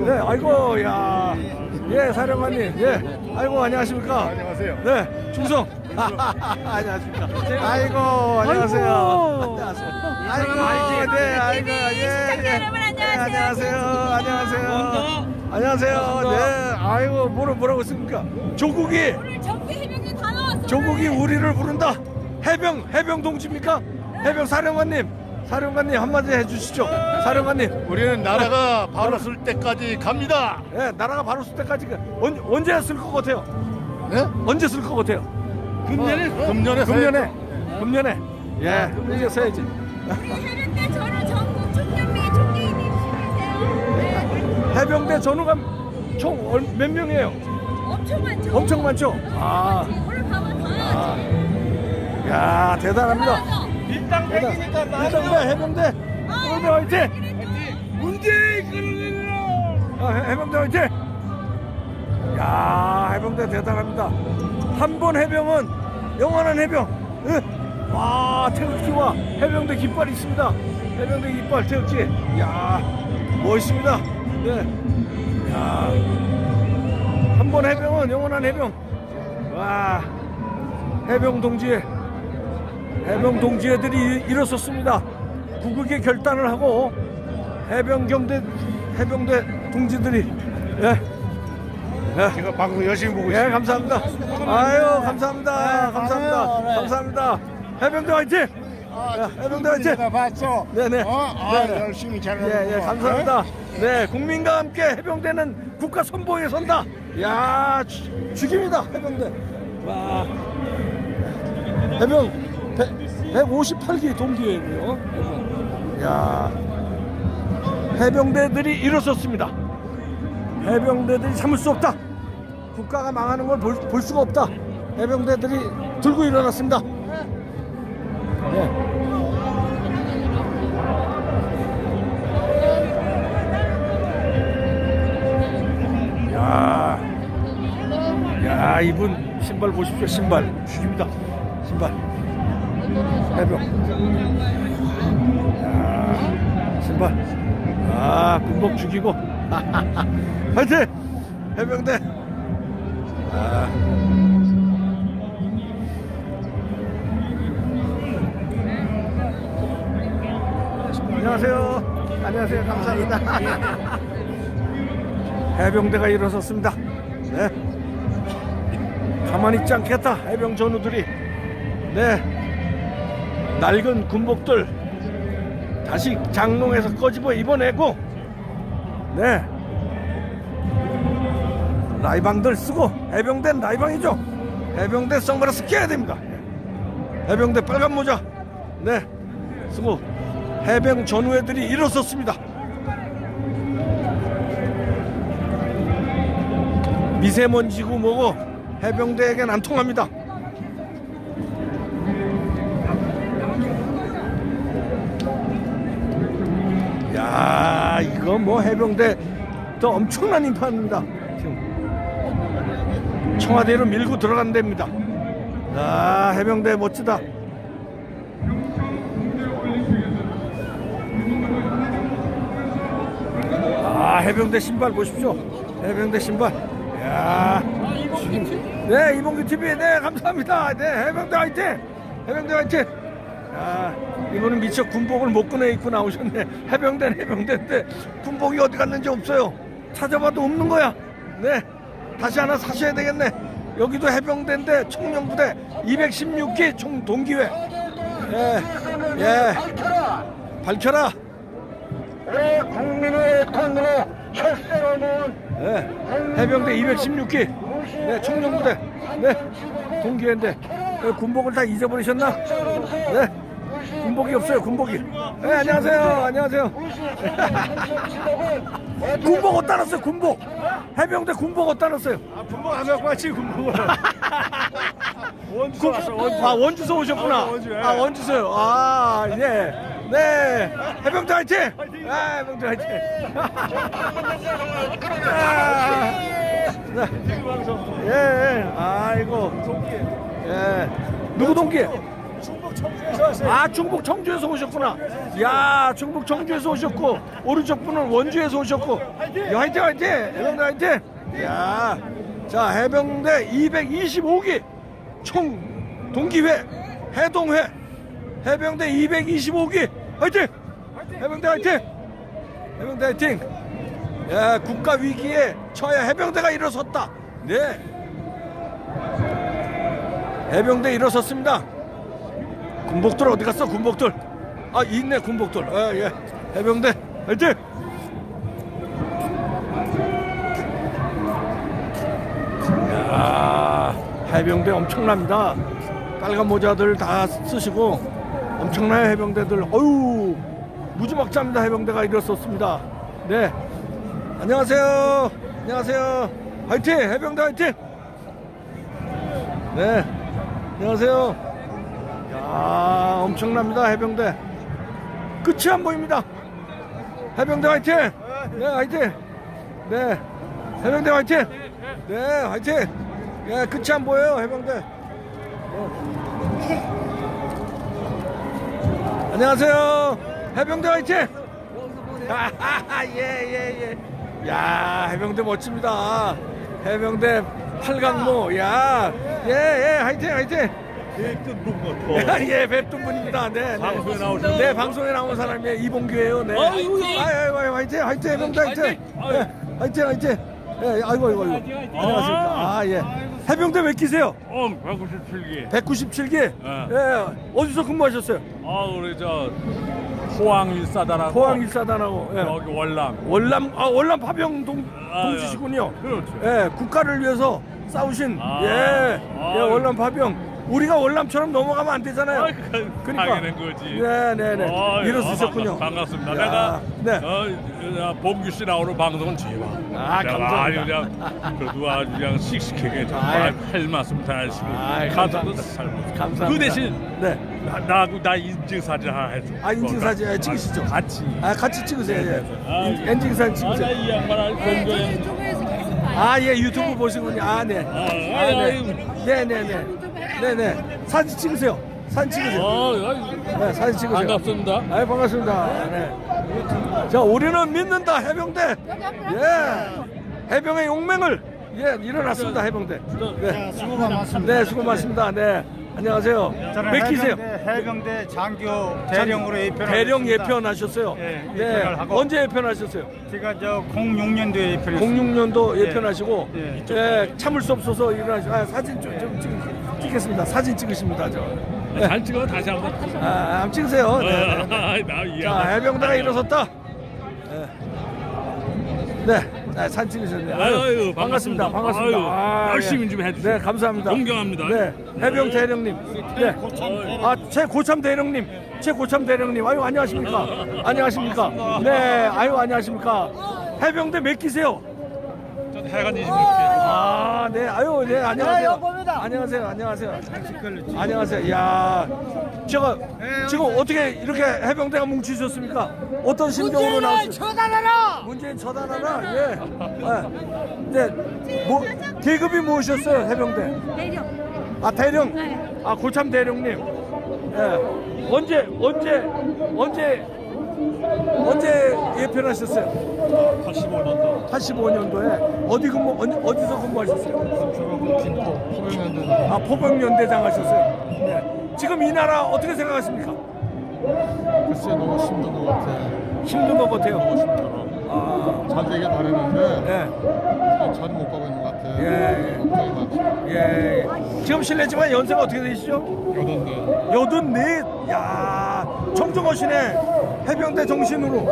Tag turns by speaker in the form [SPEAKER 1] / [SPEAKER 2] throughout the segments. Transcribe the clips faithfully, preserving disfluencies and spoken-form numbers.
[SPEAKER 1] 네, 아이고, 야. 예, 사령관님. 예. 아이고, 안녕하십니까.
[SPEAKER 2] 안녕하세요.
[SPEAKER 1] 네, 충성. 안녕하십니까. 아이고, 안녕하세요. 안녕하세요. 아이고, 네, 아이고, 예, 예.
[SPEAKER 3] 여러분, 안녕하세요.
[SPEAKER 1] 안녕하세요. 안녕하세요. 안녕하세요. 네, 아이고, 뭐라, 뭐라고 했습니까? 조국이,
[SPEAKER 3] 오늘 전국 해병대 다 나왔어.
[SPEAKER 1] 조국이 우리를 부른다. 해병, 해병 동지입니까? 해병 사령관님. 사령관님 한마디 해주시죠. 사령관님.
[SPEAKER 2] 우리는 나라가 바로 쓸 때까지 갑니다.
[SPEAKER 1] 예, 나라가 바로 쓸 때까지 그 언, 언제 쓸 것 같아요?
[SPEAKER 2] 네?
[SPEAKER 1] 언제 쓸 것 같아요?
[SPEAKER 2] 금년에 금년에
[SPEAKER 1] 금년에. 금년에. 예, 금년에 써야지.
[SPEAKER 3] 우리 해병대 전후 전국 총연맹 총대인님이세요. 네.
[SPEAKER 1] 해병대 전우가 총 몇 명이에요?
[SPEAKER 3] 엄청 많죠.
[SPEAKER 1] 엄청 많죠? 아,
[SPEAKER 3] 오늘 가면 다 나왔지.
[SPEAKER 1] 야, 대단합니다.
[SPEAKER 2] 밀당
[SPEAKER 1] 해병대, 해병대, 해병대 화이팅! 문제 이끌어내라! 아, 해- 해병대 화이팅! 야, 해병대 대단합니다. 한 번 해병은 영원한 해병. 예. 와, 태극기와 해병대 깃발이 있습니다. 해병대 깃발 태극기. 야, 멋있습니다. 네. 야, 한 번 해병은 영원한 해병. 와, 해병 동지, 해병 동지애들이 일어섰습니다. 구국의 결단을 하고 해병 경대, 해병대 동지들이. 예. 예.
[SPEAKER 2] 제가 방송 열심히 보고
[SPEAKER 1] 예,
[SPEAKER 2] 있습니다.
[SPEAKER 1] 감사합니다. 아유, 감사합니다. 감사합니다. 감사합니다. 해병대 화이팅! 야, 해병대 화이팅!
[SPEAKER 4] 내가 봤어.
[SPEAKER 1] 네네.
[SPEAKER 4] 어? 아,
[SPEAKER 1] 네네.
[SPEAKER 4] 열심히 잘하는
[SPEAKER 1] 예, 예,
[SPEAKER 4] 거.
[SPEAKER 1] 감사합니다. 네, 국민과 함께 해병대는 국가 선봉에 선다. 야, 죽- 죽입니다, 해병대. 와, 해병 백오십팔 기 동기이고요. 해병. 야, 해병대들이 일어섰습니다. 해병대들이 참을 수 없다. 국가가 망하는 걸 볼 수가 없다. 해병대들이 들고 일어났습니다. 네. 야, 야, 이분 신발 보십시오. 신발 죽입니다. 신발 해병. 야, 신발. 아, 군복 죽이고. 화이팅! 해병대. 아. 안녕하세요. 안녕하세요. 감사합니다. 해병대가 일어섰습니다. 네. 가만히 있지 않겠다. 해병 전우들이. 네. 낡은 군복들 다시 장롱에서 꺼집어 입어내고, 네. 라이방들 쓰고, 해병대는 라이방이죠. 해병대 선글라스 껴야 됩니다. 해병대 빨간 모자, 네, 쓰고 해병 전우애들이 일어섰습니다. 미세먼지고 뭐고 해병대에겐 안 통합니다. 야, 이거 뭐 해병대 또 엄청난 인파입니다. 지금 청와대로 밀고 들어간 데입니다. 아, 해병대 멋지다. 아, 해병대 신발 보십시오. 해병대 신발. 야, 지금, 네, 이봉규 티비, 네, 감사합니다. 네, 해병대 화이팅! 해병대 화이팅! 야, 이거는 미처 군복을 못 꺼내 입고 나오셨네. 해병대는 해병대인데 군복이 어디 갔는지 없어요. 찾아봐도 없는 거야. 네, 다시 하나 사셔야 되겠네. 여기도 해병대인데 청년부대 이백십육 기 총 동기회. 예, 예, 밝혀라.
[SPEAKER 4] 우리 국민의 돈으로 철새로 모은
[SPEAKER 1] 네, 해병대 이백십육 기, 네, 청년부대, 네, 동기회인데 네, 군복을 다 잊어버리셨나? 네, 군복이 없어요. 군복이. 네, 안녕하세요. 안녕하세요. 군복 어디다 놨어요? 군복. 해병대 군복 어디다 놨어요?
[SPEAKER 2] 아, 군복 안 갖고 왔지 군복을. 원주
[SPEAKER 1] 군-
[SPEAKER 2] 왔어. 원주.
[SPEAKER 1] 아, 원주서 오셨구나.
[SPEAKER 2] 어, 원주, 예.
[SPEAKER 1] 아, 원주서요. 아, 예. 네, 해병대 화이팅! 아, 해병대 화이팅! 아, 네. 예, 예. 아이고. 예. 누구 동기?
[SPEAKER 2] 충북 청주에서
[SPEAKER 1] 아, 충북 청주에서 오셨구나. 야, 충북 청주에서 오셨고, 오른쪽 분은 원주에서 오셨고. 야, 화이팅, 화이팅! 해병대 화이팅! 야, 자, 해병대 이백이십오 기 총 동기회, 해동회, 해병대 이백이십오 기 화이팅! 해병대 화이팅! 해병대 화이팅! 야, 국가 위기에 처해 해병대가 일어섰다. 네. 해병대 일어섰습니다. 군복들 어디 갔어? 군복들. 아, 있네 군복들. 아, 예. 해병대 화이팅! 야, 해병대 엄청납니다. 빨간 모자들 다 쓰시고 엄청나요 해병대들. 어유, 무지막지합니다. 해병대가 일어섰습니다. 네. 안녕하세요. 안녕하세요. 화이팅! 해병대 화이팅! 네. 안녕하세요. 야, 엄청납니다. 해병대. 끝이 안 보입니다. 해병대 화이팅! 네, 화이팅! 네. 해병대 화이팅! 네, 화이팅! 예, 끝이 안 보여요. 해병대. 네. 안녕하세요. 해병대 화이팅! 아, 예, 예, 예. 야, 해병대 멋집니다. 해병대 팔강모. 야, 예, 예, 화이팅, 화이팅. 예, 뵙던 분입니다. 네, 네.
[SPEAKER 2] 방송에 나오신
[SPEAKER 1] 네, 방송에 나온 사람이 이봉규예요. 네.
[SPEAKER 2] 아이고,
[SPEAKER 1] 아이고, 아이고, 화이팅, 화이팅, 해병대 화이팅. 네, 화이팅, 화이팅. 예, 아이고, 아이고, 아이고. 안녕하십니까. 아, 예. 해병대 몇 기세요?
[SPEAKER 2] 어, 백구십칠 기.
[SPEAKER 1] 백구십칠 기. 예. 어디서 근무하셨어요?
[SPEAKER 2] 아, 우리 저 포항 일사단하고
[SPEAKER 1] 포항 일사단하고. 예.
[SPEAKER 2] 여기 월남.
[SPEAKER 1] 월남, 아, 월남 파병 동,
[SPEAKER 2] 아,
[SPEAKER 1] 동지시군요.
[SPEAKER 2] 그렇죠.
[SPEAKER 1] 예, 국가를 위해서 싸우신,
[SPEAKER 2] 아,
[SPEAKER 1] 예,
[SPEAKER 2] 아,
[SPEAKER 1] 예, 월남 파병. 우리가 월남처럼 넘어가면 안 되잖아요.
[SPEAKER 2] 아, 그,
[SPEAKER 1] 그러니까.
[SPEAKER 2] 당연한 거지.
[SPEAKER 1] 네, 네, 네.
[SPEAKER 2] 어,
[SPEAKER 1] 일어서셨군요.
[SPEAKER 2] 아, 반갑, 반갑습니다.
[SPEAKER 1] 야,
[SPEAKER 2] 내가
[SPEAKER 1] 네.
[SPEAKER 2] 어, 어, 봉규 씨 나오는 방송은 제일
[SPEAKER 1] 아, 감사합니다.
[SPEAKER 2] 아주 그냥 그래도 아주 그냥 씩씩하게 정말 할 말씀 다 하시고
[SPEAKER 1] 아이,
[SPEAKER 2] 가사도
[SPEAKER 1] 감사합니다.
[SPEAKER 2] 잘 먹고.
[SPEAKER 1] 감사합니다.
[SPEAKER 2] 그 대신
[SPEAKER 1] 네.
[SPEAKER 2] 나, 나하고 나 인증 사진 하나 해줘.
[SPEAKER 1] 아, 인증 사진 아, 찍으시죠.
[SPEAKER 2] 같이.
[SPEAKER 1] 아, 같이 찍으세요. 예.
[SPEAKER 2] 아,
[SPEAKER 1] 인- 인증 사진
[SPEAKER 2] 아, 나
[SPEAKER 1] 찍으세요.
[SPEAKER 2] 이 양반 아주
[SPEAKER 3] 네, 저
[SPEAKER 2] 건조해.
[SPEAKER 3] 유튜브에서 계속 봐요.
[SPEAKER 1] 아, 예, 유튜브 보시군요. 아, 네.
[SPEAKER 2] 아,
[SPEAKER 1] 아, 네.
[SPEAKER 2] 아유.
[SPEAKER 1] 네, 네, 네. 네, 네. 사진 찍으세요. 사진 찍으세요.
[SPEAKER 2] 어,
[SPEAKER 1] 네, 사진 찍으세요.
[SPEAKER 2] 반갑습니다.
[SPEAKER 1] 아, 반갑습니다. 네. 자, 우리는 믿는다 해병대. 예. 해병의 용맹을 예 일어났습니다 해병대. 네,
[SPEAKER 5] 수고가 많습니다.
[SPEAKER 1] 네, 수고 많습니다. 네, 안녕하세요.
[SPEAKER 5] 저는
[SPEAKER 1] 몇 기세요?
[SPEAKER 5] 해병대, 해병대 장교 대령으로 예편.
[SPEAKER 1] 대령 예편하셨어요.
[SPEAKER 5] 예,
[SPEAKER 1] 네.
[SPEAKER 5] 예편을 하고.
[SPEAKER 1] 언제 예편하셨어요?
[SPEAKER 5] 제가 저 공육 년도에 예편했습니다.
[SPEAKER 1] 공육 년도
[SPEAKER 5] 예.
[SPEAKER 1] 예편하시고
[SPEAKER 5] 예.
[SPEAKER 1] 예, 참을 수 없어서 일어나시고 아, 사진 좀, 좀 찍, 찍겠습니다. 사진 찍으십니다. 저. 네.
[SPEAKER 2] 잘 찍어 다시 한번.
[SPEAKER 1] 아, 한번 찍으세요. 네, 네.
[SPEAKER 2] 아, 나이
[SPEAKER 1] 자, 해병대가 일어섰다. 네. 네, 자, 사진 찍으셨네요. 아유,
[SPEAKER 2] 아유,
[SPEAKER 1] 반갑습니다.
[SPEAKER 2] 반갑습니다.
[SPEAKER 1] 반갑습니다.
[SPEAKER 2] 아유,
[SPEAKER 1] 아,
[SPEAKER 2] 열심히
[SPEAKER 1] 예.
[SPEAKER 2] 좀 해주세요.
[SPEAKER 1] 네, 감사합니다.
[SPEAKER 2] 존경합니다.
[SPEAKER 1] 네, 해병 대령님. 네. 아, 최고참 대령님. 최고참 대령님. 아유, 안녕하십니까? 안녕하십니까? 네, 아유, 안녕하십니까? 해병대 몇 기세요?
[SPEAKER 2] 해간 이십육 기.
[SPEAKER 1] 아, 네, 아유, 네, 안녕하세요. 안녕하세요, 안녕하세요. 안녕하세요. 야, 제가 지금 어떻게 이렇게 해병대가 뭉치셨습니까? 어떤 심정으로 나오셨어요?
[SPEAKER 3] 처단하라.
[SPEAKER 1] 문재인 처단하라. 예. 네. 네. 뭐 계급이 무엇이었어요, 해병대?
[SPEAKER 3] 내려.
[SPEAKER 1] 아, 대령.
[SPEAKER 3] 네.
[SPEAKER 1] 아, 고참 대령님. 예. 언제 언제 언제 언제 예편하셨어요?
[SPEAKER 5] 팔십오 년도.
[SPEAKER 1] 팔십오 년도에 어디 근무 어디, 어디서 근무하셨어요?
[SPEAKER 5] 중국 김포 포병연대.
[SPEAKER 1] 아, 포병연대장 하셨어요. 네. 지금 이 나라 어떻게 생각하십니까?
[SPEAKER 5] 글쎄 너무 힘든 것 같아.
[SPEAKER 1] 힘든 것 같아요.
[SPEAKER 5] 힘들어.
[SPEAKER 1] 아,
[SPEAKER 5] 잘 되길 바랬는데
[SPEAKER 1] 네.
[SPEAKER 5] 잘 못 가고 있는 것 같아.
[SPEAKER 1] 예.
[SPEAKER 5] 걱정이 많지.
[SPEAKER 1] 예. 지금 실례지만 연세가 어떻게 되시죠?
[SPEAKER 5] 여덟네.
[SPEAKER 1] 여든 넷. 야, 청정하시네. 해병대 정신으로.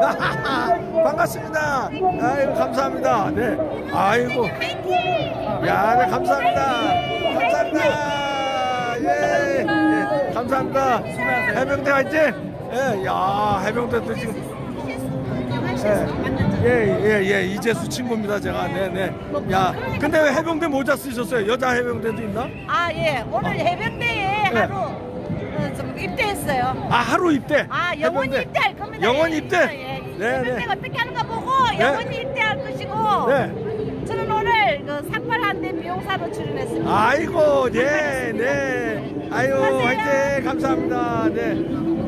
[SPEAKER 1] 반갑습니다. 아이고, 감사합니다. 네. 아이고. 야, 네, 감사합니다. 감사합니다. 예. 예. 감사합니다. 해병대 화이팅. 예. 야, 해병대도 지금. 예, 예, 예, 이재수 친구입니다, 제가. 네, 네. 야, 근데 왜 해병대 모자 쓰셨어요? 여자 해병대도 있나?
[SPEAKER 3] 아, 예. 오늘 해병대에
[SPEAKER 1] 네.
[SPEAKER 3] 하루 어, 좀 입대했어요.
[SPEAKER 1] 아, 하루 입대.
[SPEAKER 3] 아, 영원히
[SPEAKER 1] 해병대.
[SPEAKER 3] 입대할 겁니다.
[SPEAKER 1] 영원히
[SPEAKER 3] 예,
[SPEAKER 1] 입대?
[SPEAKER 3] 예, 예.
[SPEAKER 1] 네,
[SPEAKER 3] 해병대가
[SPEAKER 1] 네.
[SPEAKER 3] 어떻게 하는가 보고 영원히 입대할 것이고
[SPEAKER 1] 네.
[SPEAKER 3] 저는 오늘 그 삭발한데 미용사로 출연했습니다.
[SPEAKER 1] 아이고, 네, 네. 아유, 화이팅! 감사합니다. 네.